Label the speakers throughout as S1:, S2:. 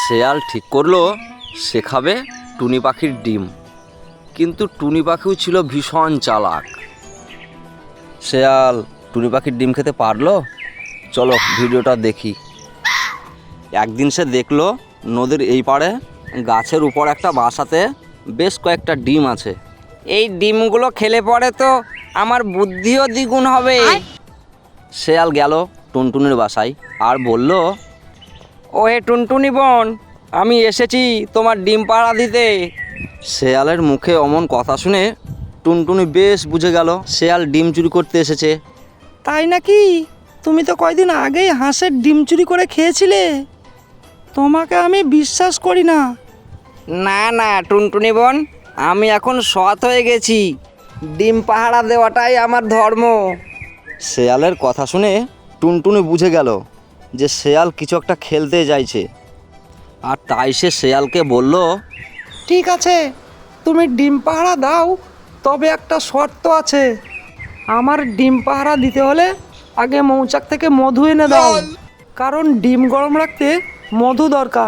S1: শেয়াল ঠিক করলো সে খাবে টুনি পাখির ডিম, কিন্তু টুনি পাখিও ছিল ভীষণ চালাক। শেয়াল টুনি পাখির ডিম খেতে পারলো? চলো ভিডিওটা দেখি। একদিন সে দেখলো নদীর এই পাড়ে গাছের উপর একটা বাসাতে বেশ কয়েকটা ডিম আছে।
S2: এই ডিমগুলো খেলে পরে তো আমার বুদ্ধিও দ্বিগুণ হবে।
S1: শেয়াল গেল টুনটুনির বাসায় আর বলল,
S2: ও হে টুনটুনি বোন, আমি এসেছি তোমার ডিম পাড়া দিতে।
S1: শেয়ালের মুখে অমন কথা শুনে টুনটুনি বেশ বুঝে গেল শেয়াল ডিম চুরি করতে এসেছে।
S3: তাই নাকি? তুমি তো কয়দিন আগেই হাঁসের ডিম চুরি করে খেয়েছিলে। তোমাকে আমি বিশ্বাস করি না।
S2: না না টুনটুনি বোন, আমি এখন সৎ হয়ে গেছি। ডিম পাহারা দেওয়াটাই আমার ধর্ম।
S1: শেয়ালের কথা শুনে টুনটুনি বুঝে গেল যে শেয়াল কিছু একটা খেলতে চাইছে, আর তাই সে শেয়ালকে বলল,
S3: ঠিক আছে, তুমি ডিম পাহারা দাও, তবে একটা শর্ত আছে। আমার ডিম পাহারা দিতে হলে আগে মৌচাক থেকে মধু এনে দাও, কারণ ডিম গরম রাখতে মধু দরকার।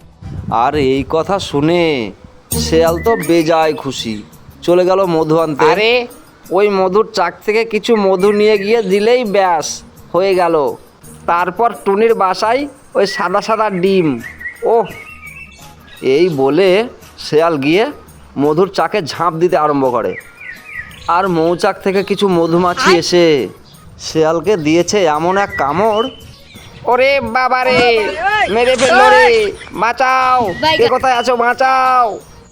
S1: আর এই কথা শুনে শেয়াল তো বেজায় খুশি, চলে গেল মধু আনতে।
S2: আরে ওই মধুর চাক থেকে কিছু মধু নিয়ে গিয়ে দিলেই ব্যাস হয়ে গেল। তারপর টুনির বাসায় ওই সাদা সাদা ডিম। ওহ,
S1: এই বলে শেয়াল গিয়ে মধুর চাকে ঝাঁপ দিতে আরম্ভ করে, আর মৌচাক থেকে কিছু মধুমাছি এসে শেয়ালকে দিয়েছে এমন এক কামড়।
S2: ওরে বাবা রে, মেরে ফেললো রে, বাঁচাও, কে কোথায় আছো, বাঁচাও।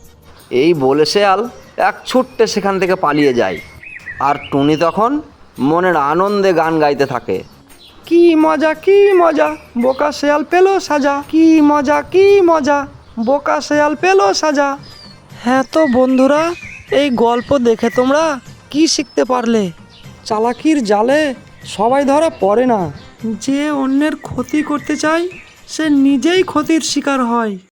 S1: এই বলে শেয়াল এক ছুট্টে সেখান থেকে পালিয়ে যায়, আর টুনি তখন মনের আনন্দে গান গাইতে থাকে।
S3: কি মজা, কি মজা, বোকা শেয়াল পেলো সাজা। কি মজা, কি মজা, বোকা শেয়াল পেলো সাজা। হ্যাঁ তো বন্ধুরা, এই গল্প দেখে তোমরা কি শিখতে পারলে? চালাকির জালে সবাই ধরা পড়ে না। যে অন্যের ক্ষতি করতে চায় সে নিজেই ক্ষতির শিকার হয়।